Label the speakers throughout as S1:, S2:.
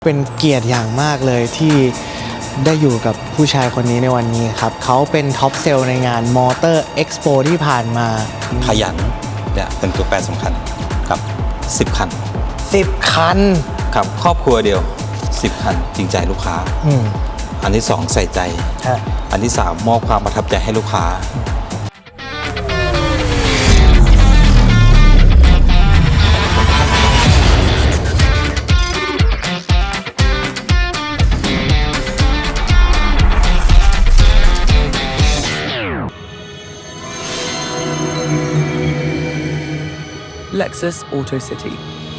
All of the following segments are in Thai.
S1: เป็นเกียรติอย่างมากเลยที่ได้อยู่กับผู้ชายคนนี้ในวันนี้ครับเขาเป็นท็อปเซลล์ในงานมอเตอร์เอ็กซ์โปที่ผ่านมา
S2: ขยันเนี่ยเป็นตัวแปรสำคัญครับ10 คัน
S1: 10 คัน
S2: ครับครอบครัวเดียว10 คันจริงใจลูกค้าอันที่2ใส่ใจอันที่3มอบความประทับใจให้ลูกค้า
S3: Lexus Auto City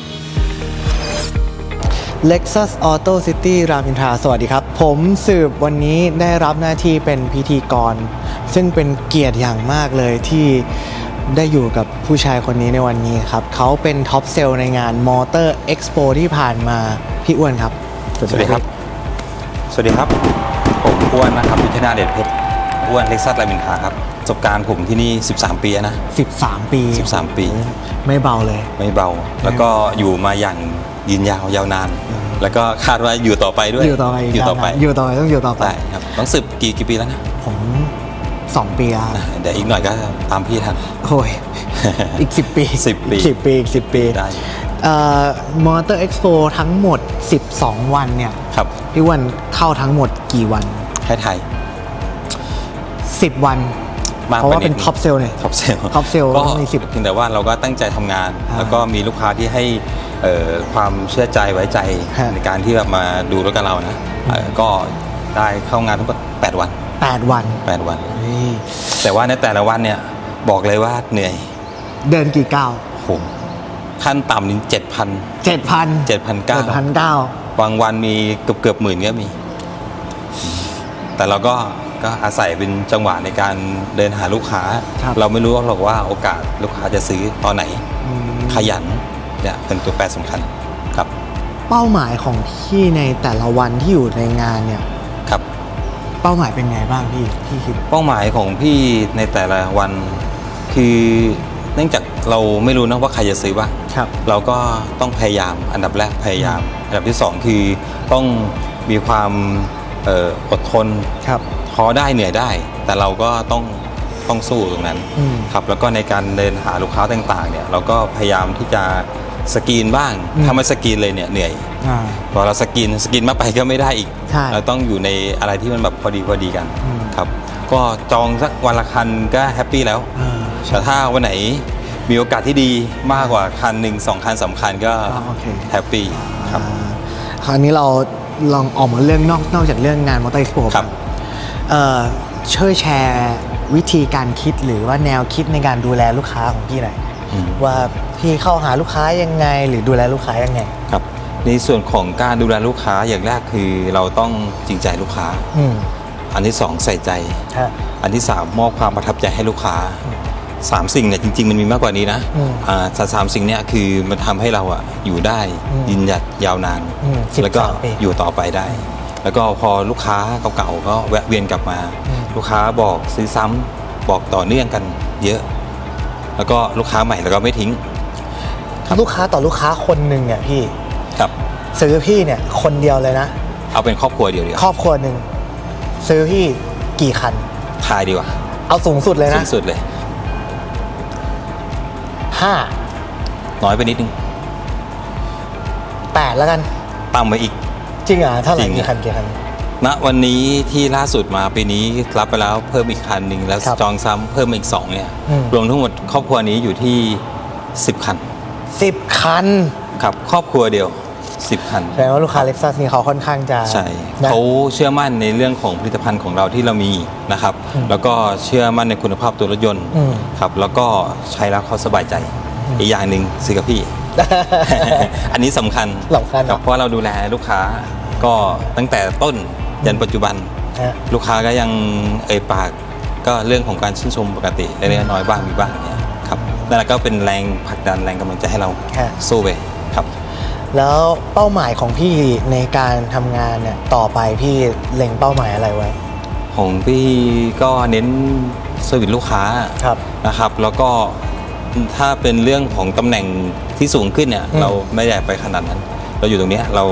S1: Lexus Auto City รามอินทราสวัสดีครับผมสืบวันนี้ได้รับหน้าที่เป็นพิธีกรซึ่งเป็นเกียรติอย่างมากเลยที่ได้อยู่กับผู้ชายคนนี้ในวันนี้ครับเขาเป็นท็อปเซลล์ในงานมอเตอร์เอ็กซ์โปที่ผ่านมาพี่อ้วนครับ
S2: สวัสดีครับสวัสดีครับผมอ้วนนะครับยุทธนาเดชเพชรอ้วน Lexus รามอินทราครับประสบการณ์ผมที่นี่13 ปีนะ
S1: 13 ปี
S2: 13 ปี
S1: ไม่เบาเลย
S2: ไม่เบาแล้วก็อยู่มาอย่างยืนยาวนานแล้วก็คาดว่าอยู่ต่อไปด้วย
S1: อยู่ต่อไปต้องอยู่ต่อไป
S2: ครับต้องสืบกี่ปีแล้วนะ
S1: ผม2 ปีแล้ว
S2: เดี๋ยวอีกหน่อยก็ตามพี่ทัน
S1: โอ้ยอีก10 ปี10 ปี
S2: ได้
S1: มอเตอร์เอ็กซ์โปทั้งหมด12 วันเนี่ย
S2: ครับ
S1: พี่วันเข้าทั้งหมดกี่วัน
S2: ให้ไทย
S1: 10 วันเพราะว่าเป็นท็อปเซลเนี่ย
S2: ท็อปเซล
S1: ก็มี10
S2: เพียงแต่ว่าเราก็ตั้งใจทำงานแล้วก็มีลูกค้าที่ให้ความเชื่อใจไว้ใจในการที่แบบมาดูรถกับเรานะก็ได้เข้างานทุก8 วันแต่ว่าในแต่ละวันเนี่ยบอกเลยว่าเหนื่อย
S1: เดินกี่ก้าว
S2: ผมขั้นต่ำนี่7,900บางวันมีเกือบหมื่นก็มีแต่เราก็อาศัยเป็นจังหวะในการเดินหาลูกค้าเราไม่รู้หรอกว่าโอกาสลูกค้าจะซื้อตอนไหนขยันเนี่ยเป็นตัวแปรสำคัญครับ
S1: เป้าหมายของพี่ในแต่ละวันที่อยู่ในงานเนี่ย
S2: ครับ
S1: เป้าหมายเป็นไงบ้างพี่คิด
S2: เป้าหมายของพี่ในแต่ละวันคือเนื่องจากเราไม่รู้นะว่าใครจะซื้อบ้างเราก็ต้องพยายามอันดับแรกพยายามอันดับที่2คือต้องมีความอดทนท้อได้เหนื่อยได้แต่เราก็ต้องสู้ตรงนั้นครับแล้วก็ในการเดินหาลูกค้าต่างๆเนี่ยเราก็พยายามที่จะสกรีนบ้างถ้าไม่สกรีนเลยเนี่ยเหนื่อยพอเราสกรีนมากไปก็ไม่ได้อีกเราต้องอยู่ในอะไรที่มันแบบพอดีกันครับก็จองสักวันละคันก็แฮปปี้แล้วแต่ถ้าวันไหนมีโอกาสที่ดีมากกว่าคัน1 2 คัน3 คันก็แฮปปี้ครับ
S1: คราวนี้เราลองออกมาเรื่องนอกจากเรื่องงานมอเตอร์เอ็กซ์โปครับช่วยแชร์วิธีการคิดหรือว่าแนวคิดในการดูแลลูกค้าของพี่หน่อยว่าพี่เข้าหาลูกค้ายังไงหรือดูแลลูกค้ายังไง
S2: ครับในส่วนของการดูแลลูกค้าอย่างแรกคือเราต้องจริงใจลูกค้าอันที่2ใส่ใจอันที่3มอบความประทับใจให้ลูกค้า3 สิ่งเนี่ยจริงๆมันมีมากกว่านี้นะ3 สิ่งเนี่ยคือมันทำให้เราอยู่ได้ยืนหยัดยาวนานแล้วก็อยู่ต่อไปได้แล้วก็พอลูกค้าเก่าๆก็แวะเวียนกลับมาลูกค้าบอกซื้อซ้ำบอกต่อเนื่องกันเยอะแล้วก็ลูกค้าใหม่แล้วก็ไม่ทิ้ง
S1: ลูกค้าต่อลูกค้าคนหนึ่งเนี่ยพี่
S2: ครับ
S1: ซื้อพี่เนี่ยคนเดียวเลยนะ
S2: เอาเป็นครอบครัวเดียว
S1: ครอบครัวหนึ่งซื้อพี่กี่คัน
S2: ทายดีกว่า
S1: เอาสูงสุดเลยนะ
S2: สูงสุดเลย
S1: 5
S2: น้อยไปนิดนึง
S1: 8แล้วกัน
S2: ต่ำไปอีก
S1: จริงเท่าไหร่กี่คัน
S2: ณวันนี้ที่ล่าสุดมาปีนี้รับไปแล้วเพิ่มอีกคันหนึ่งแล้วจองซ้ำเพิ่มอีก2เนี่ยรวมทั้งหมดครอบครัวนี้อยู่ที่10 คันครับครอบครัวเดียว10 คัน
S1: แสดงว่าลูกค้า Lexus นี่เขาค่อนข้างจะ
S2: ใช่เขาเชื่อมั่นในเรื่องของผลิตภัณฑ์ของเราที่เรามีนะครับแล้วก็เชื่อมั่นในคุณภาพตัวรถยนต์ครับแล้วก็ใช้แล้วเขาสบายใจอีกอย่างหนึ่งซื้อกับพี่ อันนี้สำคัญครับเพราะเราดูแลลูกค้าก็ตั้งแต่ต้นยันปัจจุบันลูกค้าก็ยังปากก็เรื่องของการชื่นชมปกติเล็กๆน้อยๆบ้างมีบ้างเนี่ยครับนั่นแหละก็เป็นแรงผลักดันแรงกำลังใจให้เราสู้ไปครับ
S1: แล้วเป้าหมายของพี่ในการทำงานเนี่ยต่อไปพี่เล็งเป้าหมายอะไรไว้
S2: ของพี่ก็เน้นเซอร์วิสลูกค้านะครับแล้วก็ ถ้าเป็นเรื่องของตำแหน่งที่สูงขึ้นเนี่ยเราไม่ได้ไปขนาดนั้นเราอยู่ตรงนี้เรา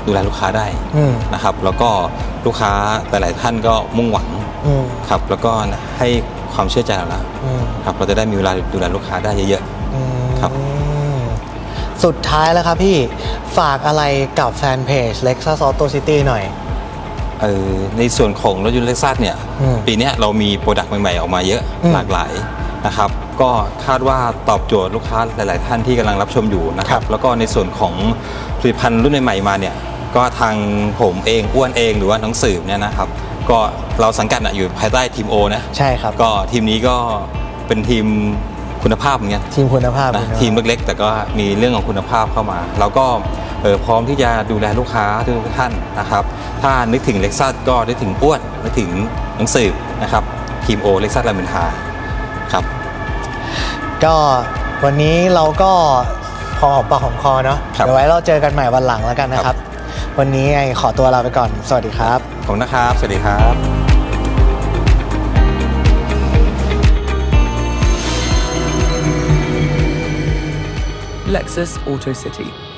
S2: ดูแลลูกค้าได้
S1: อืม
S2: นะครับแล้วก็ลูกค้าหลายๆท่านก็มุ่งหวัง
S1: อืม
S2: ครับแล้วก็ให้ความเชื่อใจเราแล้ว
S1: อืม
S2: ครับเราจะได้มีเวลาดูแลลูกค้าได้เยอะ
S1: อืม
S2: ครับ
S1: สุดท้ายแล้วครับพี่ฝากอะไรกับแฟนเพจ Lexus Auto City หน่อย
S2: ในส่วนของรถยนต์เล็กซัสเนี่ย
S1: อืม
S2: ปีเนี้ยเรามีโปรดักต์ใหม่ๆออกมาเยอะ
S1: อืม
S2: หลากหลายนะครับก็คาดว่าตอบโจทย์ลูกค้าหลาย ๆ ท่านที่กำลังรับชมอยู่นะค
S1: ครั
S2: รับบ แล้วก็ในส่วนของผลิตภัณฑ์รุ่นใหม่ๆมาเนี่ยก็ทางผมเองอ้วนเองหรือว่าน้องสืบเนี่ยนะครับก็เราสังกัดอยู่ภายใต้ทีมโอนะ
S1: ใช่ครับ
S2: ก็ทีมนี้ก็เป็นทีมคุณภาพเหมือนกัน
S1: ทีมคุณภาพ
S2: นะทีมเล็กๆแต่ก็มีเรื่องของคุณภาพเข้ามาเราก็พร้อมที่จะดูแลลูกค้าทุกท่านนะครับถ้านึกถึงเล็กซัสก็นึกถึงอ้วนนึกถึงหนังสือนะครับทีมโอเล็กซัสรามอินทราครับ
S1: ก็วันนี้เราก็พอหอมปากหอมคอเนาะ
S2: ครับ
S1: เดี๋ยวไว้เราเจอกันใหม่วันหลังแล้วกันนะครับ วันนี้ไงขอตัวลาไปก่อน สวัสดีครับ
S2: ขอบคุณนะครับ สวัสดีครับ
S3: Lexus Auto City.